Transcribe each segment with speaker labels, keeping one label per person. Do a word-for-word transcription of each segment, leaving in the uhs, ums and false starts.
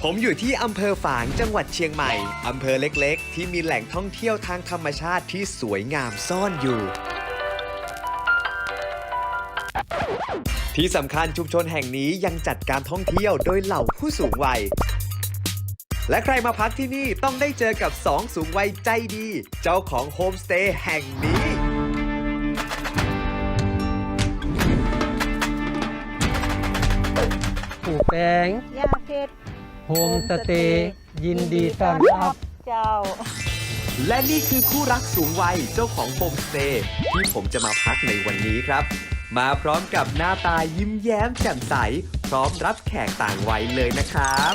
Speaker 1: ผมอยู่ที่อำเภอฝางจังหวัดเชียงใหม่อำเภอเล็กๆที่มีแหล่งท่องเที่ยวทางธรรมชาติที่สวยงามซ่อนอยู่ที่สำคัญชุมชนแห่งนี้ยังจัดการท่องเที่ยวโดยเหล่าผู้สูงวัยและใครมาพักที่นี่ต้องได้เจอกับสองสูงวัยใจดีเจ้าของโฮมสเตย์แห่งนี้
Speaker 2: ปู่แปง
Speaker 3: ย่าเพชร
Speaker 2: โฮมสเตย์ยินดีต้อนรับ
Speaker 3: เจ้า
Speaker 1: และนี่คือคู่รักสูงวัยเจ้าของโฮมสเตย์ที่ผมจะมาพักในวันนี้ครับมาพร้อมกับหน้าตายิ้มแย้มแจ่มใสพร้อมรับแขกต่างวัยเลยนะครับ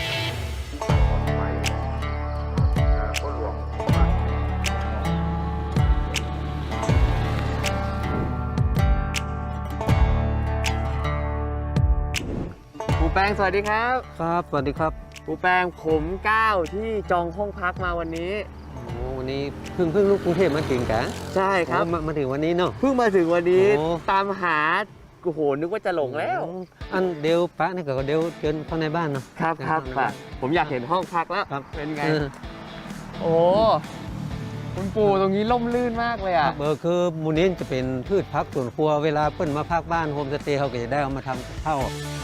Speaker 4: ครูแป้งสวัสดีครับ
Speaker 2: ครับสวัสดีครับ
Speaker 4: ครูแป้งผมก้าวที่จองห้องพักมาวันนี้
Speaker 2: โอ้วันนี้เพิ่งเพิ่งลูกกรุงเทพมาถึงกะ
Speaker 4: ใช่ครับ
Speaker 2: โอ้มามาถึงวันนี้เนาะ
Speaker 4: เพิ่งมาถึงวันนี้
Speaker 2: โอ้
Speaker 4: ตามหาโอ้โหนึกว่าจะหลงแล้ว
Speaker 2: อันเดียวปะนี่ก็เดียวเชิญเข้าในบ้านเนาะ
Speaker 4: ครับครับ
Speaker 2: เชิญ
Speaker 4: ค่ะ
Speaker 2: เข้าในบ้าน
Speaker 4: ผมอยากเห็นห้องพักแล้ว
Speaker 2: ครับ
Speaker 4: เป็นไง
Speaker 2: เออ
Speaker 4: โอ้คุณปู่ตรงนี้ล่มลื่นมากเลย
Speaker 2: ค
Speaker 4: อ่ะ
Speaker 2: รับเออคือมูลนี้จะเป็นพืชพักสวนครัวเวลาเปิ้นมาพักบ้านโฮมสเตย์เขาก็จะได้เอามาทำกับข้าว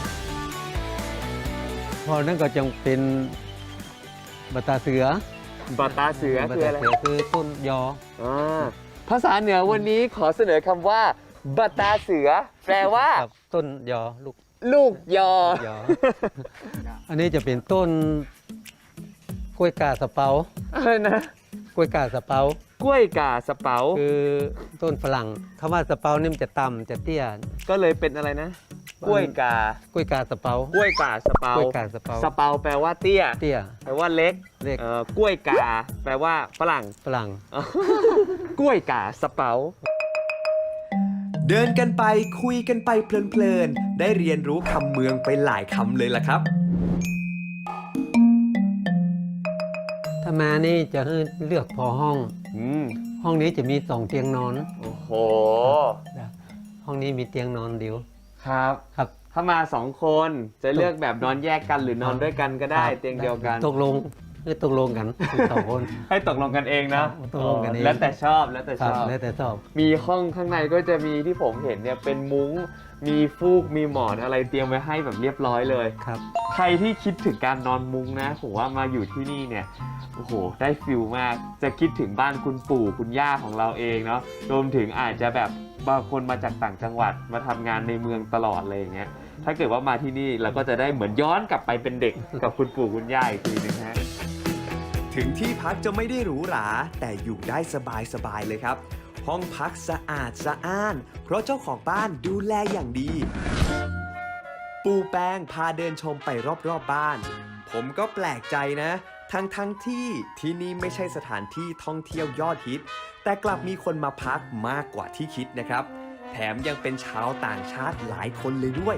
Speaker 2: พอนั่นก็จะเป็นบัตตาเสือ
Speaker 4: บัตตาเสือ
Speaker 2: บัต
Speaker 4: คือ
Speaker 2: ตา
Speaker 4: อะไร
Speaker 2: เสือคือต้นยอ
Speaker 4: อ่าภาษาเหนือวันนี้ขอเสนอคำว่าบัตตาเสือ แปลว่า
Speaker 2: ครับต้นยอลูก
Speaker 4: ลูกยอ
Speaker 2: ยอ อันนี้จะเป็นต้นกล้วยกาสะเปา
Speaker 4: อะไรนะ
Speaker 2: กล้วยกาสะเปาก
Speaker 4: ล้วยกาสะเปา
Speaker 2: คือต้นฝรั่งคำว่าสะเปานี่มันจะต่ำจะเตี้ย
Speaker 4: ก็เลยเป็นอะไรนะ กล้วยกา
Speaker 2: กล้วยกาสะเปาก
Speaker 4: ล้วยกาสะเปาก
Speaker 2: ล้วยกาสะเปา
Speaker 4: สะเปาแปลว่าเตี้ย
Speaker 2: เตี้ย
Speaker 4: แปลว่าเล็ก
Speaker 2: เล็ก
Speaker 4: เอ่อกล้วยกา แปลว่าฝรั่ง
Speaker 2: ฝรั่ง
Speaker 4: กล้วยกาสะเปา
Speaker 1: เดินกันไปคุยกันไปเพลินๆได้เรียนรู้คำเมืองไปหลายคำเลยล่ะครับ
Speaker 2: ถ้ามานี่จะให้เลือกพอห้อง
Speaker 4: อืม
Speaker 2: ห้องนี้จะมีสองเตียงนอน
Speaker 4: โอ้โห
Speaker 2: ห้องนี้มีเตียงนอนเดียว
Speaker 4: ครับ
Speaker 2: ครับ
Speaker 4: ถ้ามาสองคนจะเลือกแบบนอนแยกกันหรือนอนด้วยกันก็ได้
Speaker 2: ครับ
Speaker 4: เตียงเดียวกัน
Speaker 2: ตกลงคือตกลงกันสองคน
Speaker 4: ให้ตกลงกันเองนะ
Speaker 2: ตกลงกันเอง
Speaker 4: แล้วแต่ชอบแล้วแต่
Speaker 2: ค
Speaker 4: ช
Speaker 2: รับ
Speaker 4: อบ
Speaker 2: แล้วแต่ชอบ
Speaker 4: มีห้องข้างในก็จะมีที่ผมเห็นเนี่ยเป็นมุ้ง มีฟูก มีหมอนอะไรเตรียมไว้ให้แบบเรียบร้อยเลย
Speaker 2: ครับ
Speaker 4: ใครที่คิดถึงการนอนมุ้งนะผมว่ามาอยู่ที่นี่เนี่ยโอ้โหได้ฟิลมากจะคิดถึงบ้านคุณปู่คุณย่าของเราเองเนาะรวมถึงอาจจะแบบบางคนมาจากต่างจังหวัดมาทำงานในเมืองตลอดเลยอย่างเงี้ยถ้าเกิดว่ามาที่นี่เราก็จะได้เหมือนย้อนกลับไปเป็นเด็กกับคุณปู่คุณย่าอีกทีนึงฮะ
Speaker 1: ถึงที่พักจะไม่ได้หรูหราแต่อยู่ได้สบายๆเลยครับ ห้องพักสะอาดสะอ้าน เพราะเจ้าของบ้านดูแลอย่างดี ปูแป้งพาเดินชมไปรอบๆบบ้าน ผมก็แปลกใจนะ ทั้งๆทที่ที่นี่ไม่ใช่สถานที่ท่องเที่ยวยอดฮิต แต่กลับมีคนมาพักมากกว่าที่คิดนะครับ แถมยังเป็นชาวต่างชาติหลายคนเลยด้วย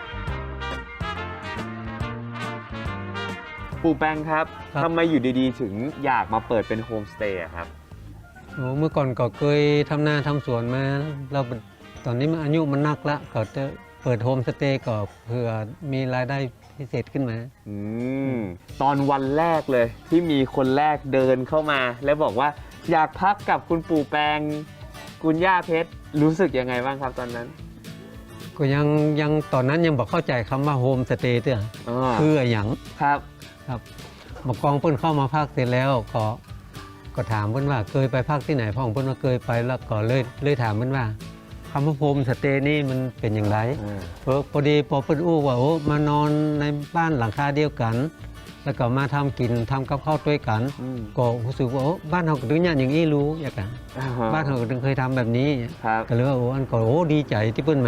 Speaker 4: ปู่แป้งครับ
Speaker 2: ครับ
Speaker 4: ทำไมอยู่ดีๆ ถึงอยากมาเปิดเป็นโฮมสเตย์อะครับ
Speaker 2: โอ้เมื่อก่อนก็เคยทำนาทำสวนมาเราตอนนี้มันอายุมันนักละก็จะเปิดโฮมสเตย์ก็เพื่อมีรายได้พิเศษขึ้นมา
Speaker 4: อืมตอนวันแรกเลยที่มีคนแรกเดินเข้ามา แล้วบอกว่าอยากพักกับคุณปู่แปงคุณย่าเพชรรู้สึกยังไงบ้างครับตอนนั้น
Speaker 2: ก็ยังยังตอนนั้นยังบอกเข้าใจคำว่าโฮมสเตย์เด้อ
Speaker 4: อ๋อ
Speaker 2: คืออะไรอย่าง
Speaker 4: ครับ
Speaker 2: ครับมากองเพิ่นเข้ามาพักเสร็จแล้วก็ก็ถามเพิ่นว่าเคยไปพักที่ไหนพ่อของเพิ่นว่าเคยไปแล้วก็เลยเลยถามเพิ่นว่าคำว่าโฮมสเตย์นี่มันเป็นอย่างไร
Speaker 4: อืม
Speaker 2: เออพอดีพอเพิ่นอู้ว่าโอ้มานอนในบ้านหลังคาเดียวกัน แล้วก็มาทำกินทำกับข้าวด้วยกัน
Speaker 4: อืม
Speaker 2: ก็รู้สึกว่าโอ้บ้านเราก็ถึงอย่างอย่างนี้รู้อย่างกัน
Speaker 4: อ่าฮะ
Speaker 2: บ้านเราก็ถึงเคยทำแบบนี้
Speaker 4: ครับ
Speaker 2: ก็เลยว่าโอ้อันก็โอ้ดีใจที่เพิ่นมา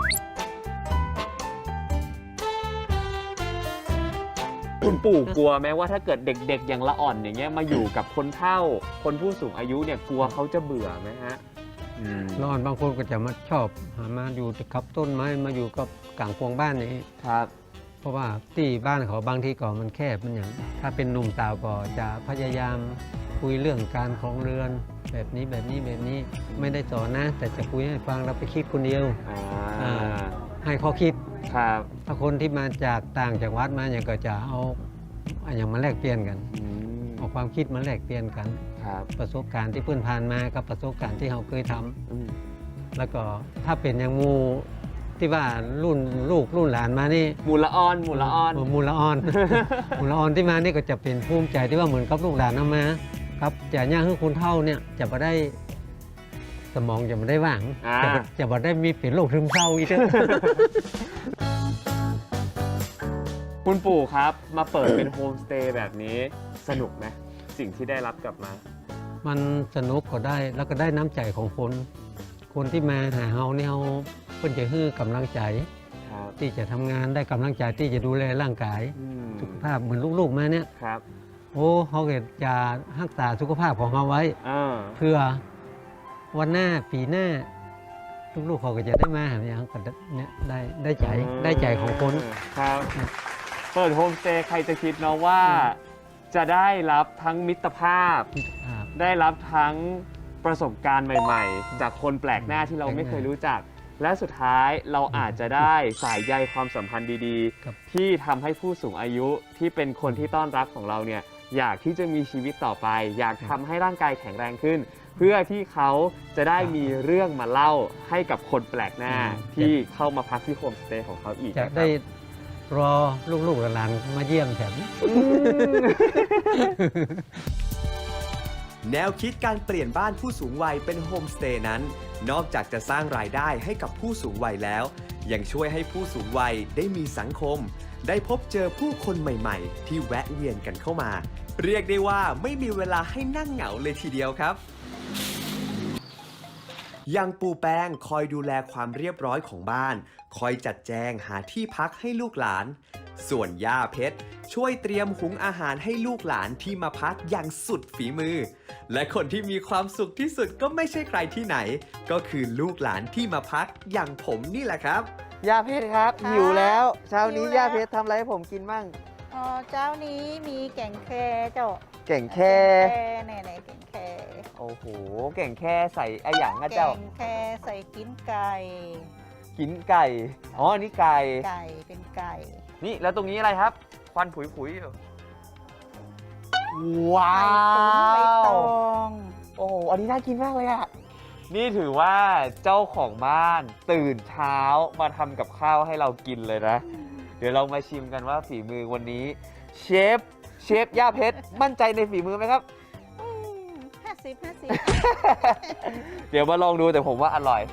Speaker 4: คุณปู่กลัวไหมว่าถ้าเกิดเด็กๆ อย่างละอ่อนอย่างเงี้ยมาอยู่กับคนเฒ่า คนผู้สูงอายุเนี่ยกลัวเขาจะเบื่อไหมฮะอืม
Speaker 2: แล้วอันบางคนก็จะมาชอบหามาอยู่กับต้นไม้มาอยู่กับกลางพวงบ้านนี้
Speaker 4: ครับ
Speaker 2: เพราะว่าที่บ้านเขาบางทีก็มันแคบมันอย่างถ้าเป็นหนุ่มสาวก็จะพยายามคุยเรื่องการครองเรือน แบบนี้แบบนี้แบบนี้ไม่ได้สอนนะ แต่จะคุยให้ฟังเราไปคิดคนเดียว
Speaker 4: อ่า
Speaker 2: อ่า ให้ข้อคิด
Speaker 4: ครับ
Speaker 2: ถ้าคนที่มาจากต่างจังหวัดมาอย่างก็จะเอาอย่างมาแลกเปลี่ยนกัน
Speaker 4: อืม
Speaker 2: เอาความคิดมาแลกเปลี่ยนกัน
Speaker 4: ครับ
Speaker 2: ประสบการณ์ที่เพื่อนผ่านมากับประสบการณ์ที่เราเคยทำ
Speaker 4: อืม
Speaker 2: แล้วก็ถ้าเป็นอย่างหมูที่ว่ารุ่นลูกรุ่นหลานมานี่
Speaker 4: หมูละออนหมูละออน
Speaker 2: มูลละออน มูลละออนที่มานี่ก็จะเป็นภูมิใจที่ว่าเหมือนกับลูกหลานเอามาครับจะย่างให้คุณเท่าเนี่ยจะมาได้สมองจะมาได้ว่าง
Speaker 4: อ่า
Speaker 2: จะบ่จะมาได้มีเป็นโรคซึมเศร้าอีกเด้อ
Speaker 4: คุณปู่ครับมาเปิดเป็นโฮมสเตย์แบบนี้สนุกไหมสิ่งที่ได้รับกลับมา
Speaker 2: มันสนุกก็ได้แล้วก็ได้น้ำใจของคน คนที่มาหาเฮาเนี่ยเฮาเพิ่นจะฮื้อกำลังใจ
Speaker 4: ครับ
Speaker 2: ที่จะทำงานได้กำลังใจที่จะดูแลร่างกาย
Speaker 4: อืม
Speaker 2: สุขภาพเหมือนลูกๆมาเนี่ย
Speaker 4: ครับ
Speaker 2: โอ้เขาก็จะรักษาสุขภาพของเขาไว้
Speaker 4: อ่า
Speaker 2: เพื่อวันหน้าปีหน้า ลูกๆเขาก็จะได้มาหาเนี่ยเขาก็เนี่ยได้ได้ใจได้ใจของคน
Speaker 4: ครับเปิดโฮมสเตย์ใครจะคิดเนาะว่า จะได้รับทั้งมิตรภาพ
Speaker 2: ครับ
Speaker 4: ได้รับทั้งประสบการณ์ใหม่ ๆ จากคนแปลกหน้าที่เราไม่เคยรู้จัก และสุดท้ายเราอาจจะได้สายใยความสัมพันธ์ดี
Speaker 2: ครับ
Speaker 4: ๆ ที่ทำให้ผู้สูงอายุที่เป็นคนที่ต้อนรับของเราเนี่ยอยากที่จะมีชีวิตต่อไป อยากทำให้ร่างกายแข็งแรงขึ้น เพื่อที่เขาจะได้มีเรื่องมาเล่าให้กับคนแปลกหน้าที่เข้ามาพักที่โฮมสเตย์ของเขาอีก
Speaker 2: จะ
Speaker 4: นะครับ
Speaker 2: ได้รอลูกๆหลานๆมาเยี่ยมแถม
Speaker 1: แนวคิดการเปลี่ยนบ้านผู้สูงวัยเป็นโฮมสเตย์นั้น นอกจากจะสร้างรายได้ให้กับผู้สูงวัยแล้ว ยังช่วยให้ผู้สูงวัยได้มีสังคม ได้พบเจอผู้คนใหม่ๆ ที่แวะเวียนกันเข้ามา เรียกได้ว่าไม่มีเวลาให้นั่งเหงาเลยทีเดียวครับ อย่างปูแป้งคอยดูแลความเรียบร้อยของบ้าน คอยจัดแจงหาที่พักให้ลูกหลาน ส่วนย่าเพชรช่วยเตรียมหุงอาหารให้ลูกหลานที่มาพักอย่างสุดฝีมือ และคนที่มีความสุขที่สุดก็ไม่ใช่ใครที่ไหน ก็คือลูกหลานที่มาพักอย่างผมนี่แหละครับ
Speaker 4: ย่าเพชรครับ
Speaker 3: ค่ะ
Speaker 4: หิวแล้วเช้านี้
Speaker 3: หิวแล้ว
Speaker 4: ย่าเพชรทำอะไรให้ผมกินบ้าง
Speaker 3: อ๋อเจ้านี้มีแก่งแคเจ้า
Speaker 4: เก่งแค่
Speaker 3: แก่งแค่ไหนๆแก่งแค่
Speaker 4: โอ้โหเก่งแค่ใส่ไอหยังอะ
Speaker 3: แก่
Speaker 4: เจ้าง
Speaker 3: แค่ใส่กินไก่
Speaker 4: กินไก่อ๋ออันนี้ไก่
Speaker 3: ไก่เป็นไก่
Speaker 4: นี่แล้วตรงนี้อะไรครับ ควันผุยๆอยู่ว้า
Speaker 3: ไก่ตุ๋นใบต
Speaker 4: ว
Speaker 3: อง
Speaker 4: โอ้โหอันนี้น่ากินมากเลยอะนี่ถือว่าเจ้าของบ้านตื่นเช้ามาทำกับข้าวให้เรากินเลยนะ เดี๋ยวเรามาชิมกันว่าฝีมือวันนี้เชฟเชฟย่าเพชรมั่นใจในฝีมือไหมครับ
Speaker 3: ห้าสิบห้าสิบ
Speaker 4: เดี๋ยวมาลองดูแต่ผมว่าอร่อย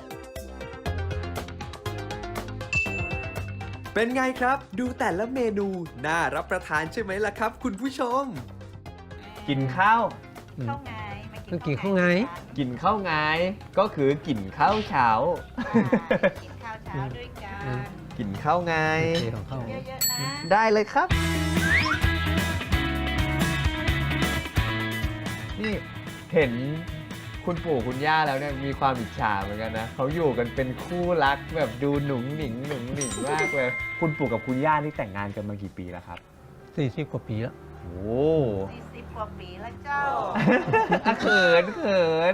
Speaker 1: เป็นไงครับ ดูแต่ละเมนูน่ารับประทานใช่ไหมล่ะครับ คุณผู้ชม
Speaker 4: กินข้าว
Speaker 3: ข้าวไงมา
Speaker 2: ต้องกินข้าวไง
Speaker 4: กินข้าวไงก็คือกินข้าวเช้า
Speaker 3: กินข้าวเช้าด้วยกัน
Speaker 2: อืม
Speaker 4: กินข้าวไง
Speaker 2: โอเคของเขา
Speaker 3: เยอะๆนะ
Speaker 4: ได้เลยครับ นี่เห็นคุณปู่คุณย่าแล้วเนี่ยมีความอิจฉาเหมือนกันนะเขาอยู่กันเป็นคู่รักแบบดูหนุ่งหนิงหนุ่งหนิงมากเลย คุณปู่กับคุณย่านี่แต่งงานกันมากี่ปีแล้วครับ
Speaker 2: สี่สิบกว่าปีแล้ว
Speaker 4: โอ้
Speaker 3: สี่สิบกว่าปีแล้วเจ้า
Speaker 4: อะเขินเขิน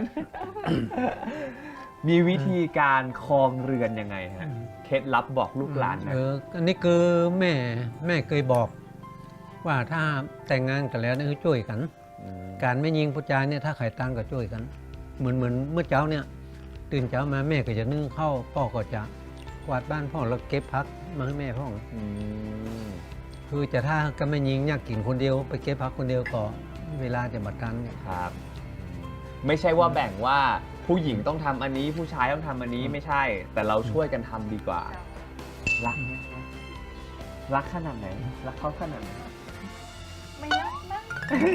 Speaker 4: มีวิธีการครองเรือนยังไงฮะ เคล็ดลับบอกลูกหลานนะ
Speaker 2: เอออันนี้คือแม่แม่เคยบอก ว่าถ้าแต่งงานกันแล้วเนี่ยคือช่วยกัน
Speaker 4: ม
Speaker 2: การไม่ยิงผู้ชายเนี่ยถ้าใครตั้งก็ช่วยกัน เหมือนเหมือนเมื่อเช้าเนี่ยตื่นเช้ามาแม่ก็จะนึ่งข้าวพ่อก็จะกวาดบ้านพ่อแล้วเก็บพักมาให้แม่พ่อ
Speaker 4: อืม
Speaker 2: คือจะถ้าก็ไม่ยิงอยากกินคนเดียวไปเก็บพักคนเดียวก็เวลาจะบัดกัน
Speaker 4: ครับ ไม่ใช่ว่าแบ่งว่าผู้หญิงต้องทำอันนี้ผู้ชายต้องทำอันนี้ไม่ใช่ แต่เราช่วยกันทำดีกว่า รักไหมครับรักขนาดไหน รักเขาขนาดไหน
Speaker 3: ไม่รักนะ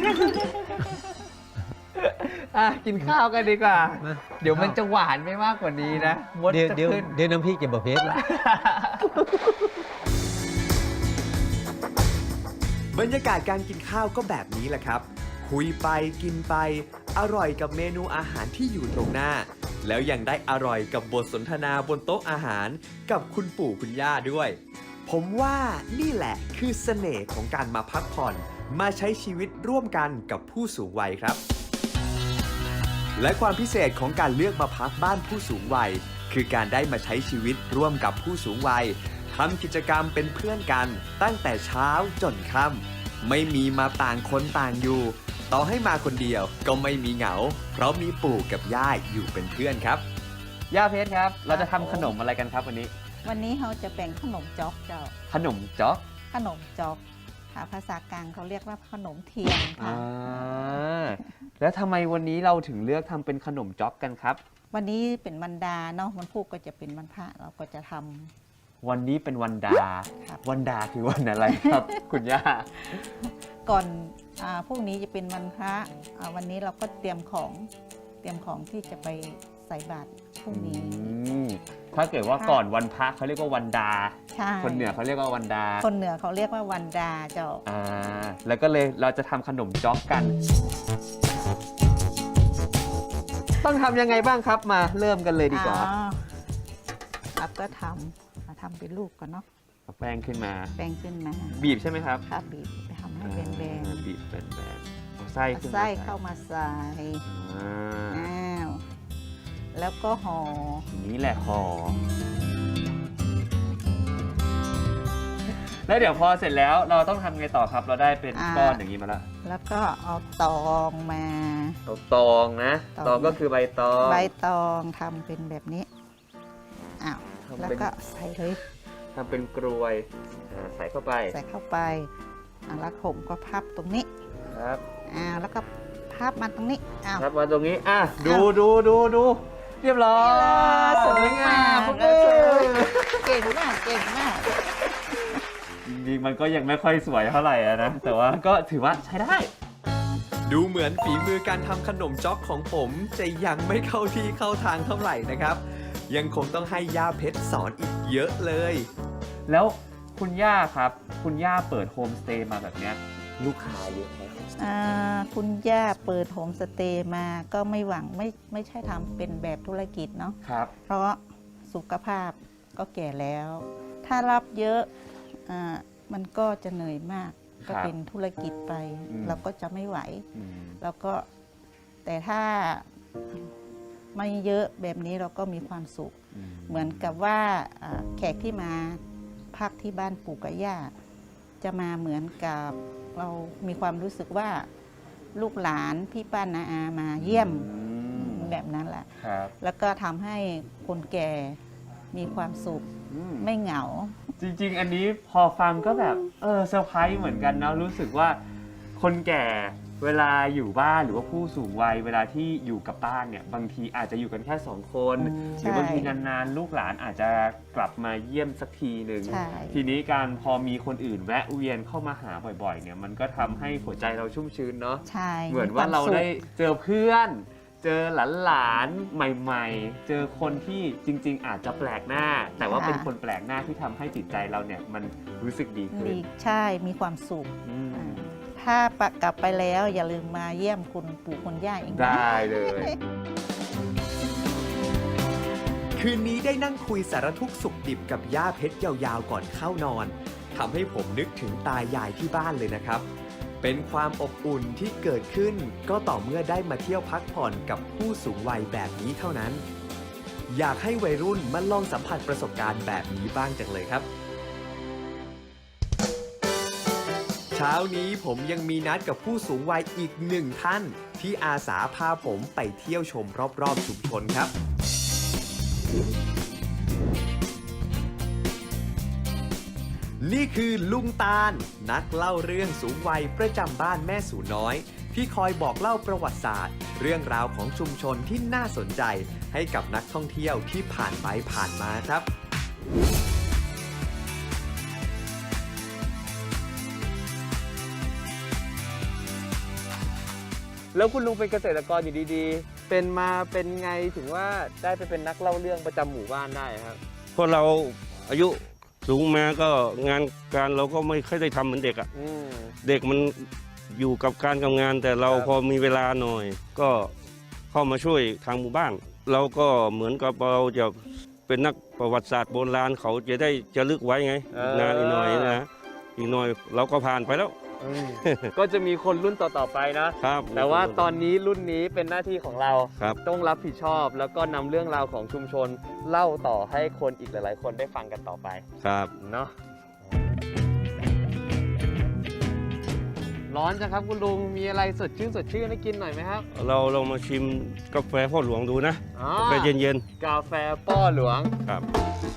Speaker 4: อ่ะกินข้าวกันดีกว่า
Speaker 2: มา
Speaker 4: เดี๋ยวมันจะหวานไม่มากกว่านี้นะมด
Speaker 2: เดี๋ยว
Speaker 4: จะ
Speaker 2: เดี๋ยว
Speaker 4: ขึ้น
Speaker 2: เดี๋ยวน้ำพริกจะบะเพ็ดแล้ว
Speaker 1: บรรยากาศการกินข้าวก็แบบนี้แหละครับ คุยไปกินไป อร่อยกับเมนูอาหารที่อยู่ตรงหน้า แล้วยังได้อร่อยกับบทสนทนาบนโต๊ะอาหาร กับคุณปู่คุณย่าด้วย ผมว่านี่แหละคือเสน่ห์ของการมาพักผ่อน มาใช้ชีวิตร่วมกันกับผู้สูงวัยครับ และความพิเศษของการเลือกมาพักบ้านผู้สูงวัย คือการได้มาใช้ชีวิตร่วมกับผู้สูงวัยทำกิจกรรมเป็นเพื่อนกันตั้งแต่เช้าจนค่ำไม่มีมาต่างคนต่างอยู่ ต่อให้มาคนเดียวก็ไม่มีเหงา เพราะมีปู่กับย่าอยู่เป็นเพื่อนครับ
Speaker 4: ย่าเพชรครับ เราจะทำขนมอะไรกันครับวันนี้
Speaker 3: วันนี้เราจะแบ่งขนมจ๊อกเจ้า
Speaker 4: ขนมจ๊อก
Speaker 3: ขนมจ๊อกค่ะภาษากลางเขาเรียกว่าขนมเทียนค่ะ
Speaker 4: อ่าแล้วทำไมวันนี้เราถึงเลือกทำเป็นขนมจ๊อกกันครับ
Speaker 3: วันนี้เป็นวันดาเนาะวันพุธก็จะเป็นวันพระเราก็จะทำ
Speaker 4: วันนี้เป็นวันดา
Speaker 3: ครับ
Speaker 4: วันดาคือวันอะไรครับ คุณย่า
Speaker 3: ก่อนอ่าพรุ่งนี้จะเป็นวันพระอ่าวันนี้เราก็เตรียมของเตรียมของที่จะไปใส่บาตรพรุ่งนี้
Speaker 4: อืมถ้าเกิดว่าก่อนวันพระเขาเรียกว่าวันดา
Speaker 3: ใช่
Speaker 4: คนเหนือเขาเรียกว่าวันดา
Speaker 3: คนเหนือเขาเรียกว่าวันดาเจ้า
Speaker 4: อ่า แล้วก็เลยเราจะทำขนมจ๊อกกัน ต้องทำยังไงบ้างครับมาเริ่มกันเลยดีกว่า
Speaker 3: อ๋อเราก็ทำมาทำเป็นลูกก่อนเนาะ
Speaker 4: เอาแป้งขึ้นมา
Speaker 3: แป้งขึ้นมา
Speaker 4: บีบใช่ไหมครับ
Speaker 3: ค่ะบีบไปทำให้แบน
Speaker 4: อ่าบีบแบนๆเอาไส้
Speaker 3: ๆ
Speaker 4: ขึ้น
Speaker 3: เอาไส้เข้ามาใส่
Speaker 4: อ่า
Speaker 3: อ้าวแล้วก็ห่อ
Speaker 4: อย่างนี้แหละห่อแล้วเดี๋ยวพอเสร็จแล้วเราต้องทำไงต่อครับ เราได้เป็นก้อนอย่างนี้มาแล้ว
Speaker 3: แล้วก็เอาตองมา
Speaker 4: เอาตองนะ
Speaker 3: ตอง
Speaker 4: ตองก็คือใบตอง
Speaker 3: ใบตองทำเป็นแบบนี้อ้าว
Speaker 4: ทำ
Speaker 3: แล้ว
Speaker 4: เป็น
Speaker 3: ก็ใส่เลย
Speaker 4: ทำเป็นกรวยอ่าใส่เข้าไป
Speaker 3: ใส่เข้าไปอ่ะแล้วผมก็พับตรงนี้
Speaker 4: ครับ
Speaker 3: อ่าแล้วก็พับมาตรงนี้อ้าว
Speaker 4: ครับมาตรงนี้อ่ะดูดูดูดูเรียบร้อยสวยงาม
Speaker 3: เออเก่งมากเก่งมาก
Speaker 4: จริงๆมันก็ยังไม่ค่อยสวยเท่าไหร่อะนะ แต่ว่าก็ถือว่าใช้ได้
Speaker 1: ดูเหมือนฝีมือการทำขนมจ๊อกของผมจะยังไม่เข้าที่เข้าทางเท่าไหร่นะครับ ยังคงต้องให้ย่าเพชรสอนอีกเยอะเลย
Speaker 4: แล้วคุณย่าครับ คุณย่าเปิดโฮมสเตย์มาแบบเนี้ยลูกค้าเยอะไหม
Speaker 3: อ่าคุณย่าเปิดโฮมสเตย์มาก็ไม่หวังไม่ไม่ใช่ทำเป็นแบบธุรกิจเนาะ
Speaker 4: ครับ
Speaker 3: เพราะสุขภาพก็แก่แล้ว ถ้ารับเยอะอ่ามันก็จะเหนื่อยมาก ก็เป็นธุรกิจไป เราก็จะไม่ไหว
Speaker 4: อืม
Speaker 3: แล้วก็แต่ถ้าไม่เยอะแบบนี้เราก็มีความสุข เหมือนกับว่าอ่าแขกที่มาพักที่บ้านปู่กับย่าจะมาเหมือนกับเรามีความรู้สึกว่าลูกหลานพี่ป้านาอามาเยี่ยม
Speaker 4: อืม
Speaker 3: แบบนั้นแหละ
Speaker 4: ครับ
Speaker 3: แล้วก็ทำให้คนแก่มีความสุข
Speaker 4: อืม
Speaker 3: ไม่เหงา
Speaker 4: จริงๆ อันนี้พอฟังก็แบบเออเซอร์ไพรส์เหมือนกันนะรู้สึกว่าคนแก่เวลาอยู่บ้านหรือว่าผู้สูงวัยเวลาที่อยู่กับบ้านเนี่ยบางทีอาจจะอยู่กันแค่สองคนห
Speaker 3: ใช่
Speaker 4: รือบางทีนานๆ ลูกหลานอาจจะกลับมาเยี่ยมสักทีหนึ่ง
Speaker 3: ใช่
Speaker 4: ทีนี้การพอมีคนอื่นแวะเวียนเข้ามาหาบ่อยๆเนี่ยมันก็ทำให้หัวใจเราชุ่มชื้นเนาะ
Speaker 3: ใช่
Speaker 4: เหมือนว่าเราได้เจอเพื่อน เจอหลานๆใหม่ๆ เจอคนที่จริงๆ อาจจะแปลกหน้า แต่ว่าเป็นคนแปลกหน้าที่ทำให้จิตใจเราเนี่ยมันรู้สึกดีขึ้น
Speaker 3: มีใช่มีความสุข
Speaker 4: อืม
Speaker 3: อ่าถ้ากลับไปแล้วอย่าลืมมาเยี่ยมคุณปู่คุณย่าอีกนะ
Speaker 4: ได้เลย
Speaker 1: คืนนี้ได้นั่งคุยสารทุกข์สุขดิบกับย่าเพชรยาวๆก่อนเข้านอนทำให้ผมนึกถึงตายายที่บ้านเลยนะครับ เป็นความอบอุ่นที่เกิดขึ้นก็ต่อเมื่อได้มาเที่ยวพักผ่อนกับผู้สูงวัยแบบนี้เท่านั้น อยากให้วัยรุ่นมาลองสัมผัสประสบการณ์แบบนี้บ้างจังเลยครับ เช้านี้ผมยังมีนัดกับผู้สูงวัยอีกหนึ่งท่าน ที่อาสาพาผมไปเที่ยวชมรอบๆชุมชนครับ นี่คือลุงตาล นักเล่าเรื่องสูงวัยประจำบ้านแม่สูน้อย ที่คอยบอกเล่าประวัติศาสตร์ เรื่องราวของชุมชนที่น่าสนใจให้กับนักท่องเที่ยวที่ผ่านไปผ่านมาครับ
Speaker 4: แล้วคุณลุงเป็นเกษตรกรอยู่ดีๆ เป็นมาเป็นไงถึงว่าได้ไปเป็นนักเล่าเรื่องประจำหมู่บ้านได้ครับ
Speaker 5: เพราะเราอายุสูงมาก็งานการเราก็ไม่ค่อยได้ทำเหมือนเด็กอะ
Speaker 4: อืม
Speaker 5: เด็กมันอยู่กับการกับงาน แต่เรา
Speaker 4: ครับ
Speaker 5: พอมีเวลาหน่อย ก็เข้ามาช่วยทางหมู่บ้าน เราก็เหมือนกับเราจะเป็นนักประวัติศาสตร์โบราณเขาจะได้จะลึกไว้ไงอีกนานอีกหน่อยนะอีกหน่อยเราก็ผ่านไปแล้ว
Speaker 4: อืมก็จะมีคนรุ่นต่อๆไปนะ
Speaker 5: ครับ
Speaker 4: แต่ว่าตอนนี้รุ่นนี้เป็นหน้าที่ของเรา
Speaker 5: ครับ
Speaker 4: ต้องรับผิดชอบ แล้วก็นำเรื่องราวของชุมชนเล่าต่อให้คนอีกหลายๆ คนได้ฟังกันต่อไป
Speaker 5: ครับ
Speaker 4: เนาะร้อนจังครับคุณลุงมีอะไรสดชื่นสดชื่นให้กินหน่อยไหมครับ
Speaker 5: เราลองมาชิมกาแฟพ่อหลวงดูนะ
Speaker 4: อ๋อก
Speaker 5: าแฟเย็น
Speaker 4: กาแฟป้อหลวง
Speaker 5: ๆครับ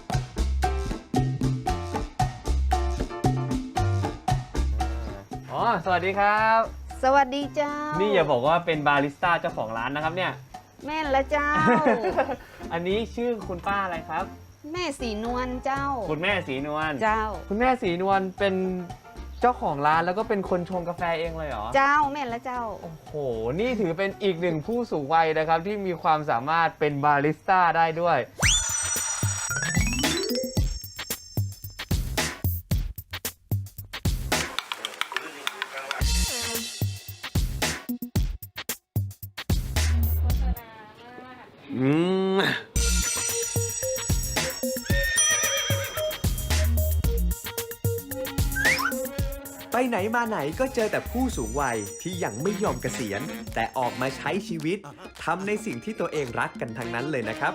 Speaker 4: อ๋อสวัสดีครับ
Speaker 6: สวัสดีเจ้า
Speaker 4: นี่อย่าบอกว่าเป็นบาริสต้าเจ้าของร้านนะครับเนี่ย
Speaker 6: แม่นละเจ้า
Speaker 4: อันนี้ชื่อคุณป้าอะไรครับ
Speaker 6: แม่สีนวลเจ้า
Speaker 4: คุณแม่สีนวล
Speaker 6: เจ้า
Speaker 4: คุณแม่สีนวลเป็นเจ้าของร้านแล้วก็เป็นคนชงกาแฟเองเลยเหรอ
Speaker 6: เจ้าแม่นละเจ้า
Speaker 4: โอ้โห นี่ถือเป็นอีกหนึ่งผู้สูงวัยนะครับ ที่มีความสามารถเป็นบาริสต้าได้ด้วย อืม
Speaker 1: ไปไหนมาไหนก็เจอแต่ผู้สูงวัยที่ยังไม่ยอมเกษียณ แต่ออกมาใช้ชีวิตทำในสิ่งที่ตัวเองรักกันทั้งนั้นเลยนะครับ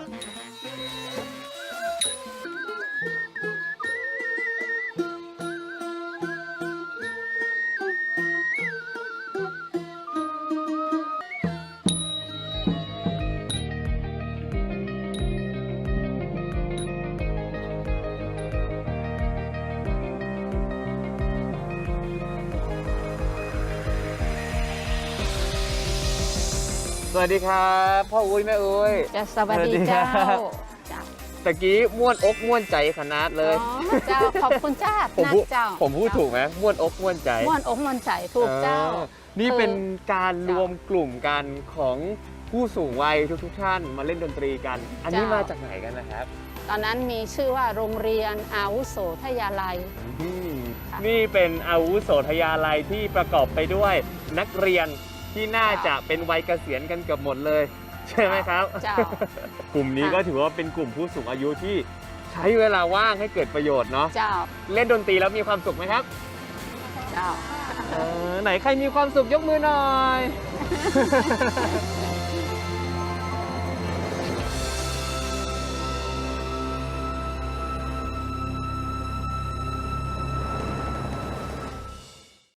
Speaker 4: สวัสดีครับพ่ออุ้ยแม่อุ้ย
Speaker 6: จะสวัสดีเจ้า
Speaker 4: สวัสดีครับ
Speaker 6: เจ้า
Speaker 4: ตะกี้ม่วนอกม่วนใจขนาดเลย
Speaker 6: อ๋อเจ้าขอบคุณเจ้า
Speaker 4: ผม
Speaker 6: นั
Speaker 4: พูด
Speaker 6: กเจ้า
Speaker 4: ผมพูดถูกไหมม่วนอกม่วนใจ
Speaker 6: ม่วนอกม่วนใจถูกเจ้า
Speaker 4: ออนี่เป็นการร
Speaker 6: เจ้า
Speaker 4: วมกลุ่มกันของผู้สูงวัยทุกๆท่านมาเล่นดนตรีกัน อันนี้
Speaker 6: เจ้าม
Speaker 4: มาจากไหนกันนะครับ
Speaker 6: ตอนนั้นมีชื่อว่าโรงเรียนอาวุโสทยาลัย
Speaker 4: อืม
Speaker 6: ค่ะ
Speaker 4: นี่เป็นอาวุโสทยาลัยที่ประกอบไปด้วยนักเรียนที่น่าจะเป็นวัยเกษียณกันเกือบหมดเลย ใช่ไหมครับ
Speaker 6: เจ้า
Speaker 4: กลุ่มนี้
Speaker 6: ค่ะ
Speaker 4: ก็ถือว่าเป็นกลุ่มผู้สูงอายุที่ใช้เวลาว่างให้เกิดประโยชน์เนาะ
Speaker 6: เจ้า
Speaker 4: เล่นดนตรีแล้วมีความสุขไหมครับ
Speaker 6: เจ้า
Speaker 4: เออไหนใครมีความสุขยกมือหน่อย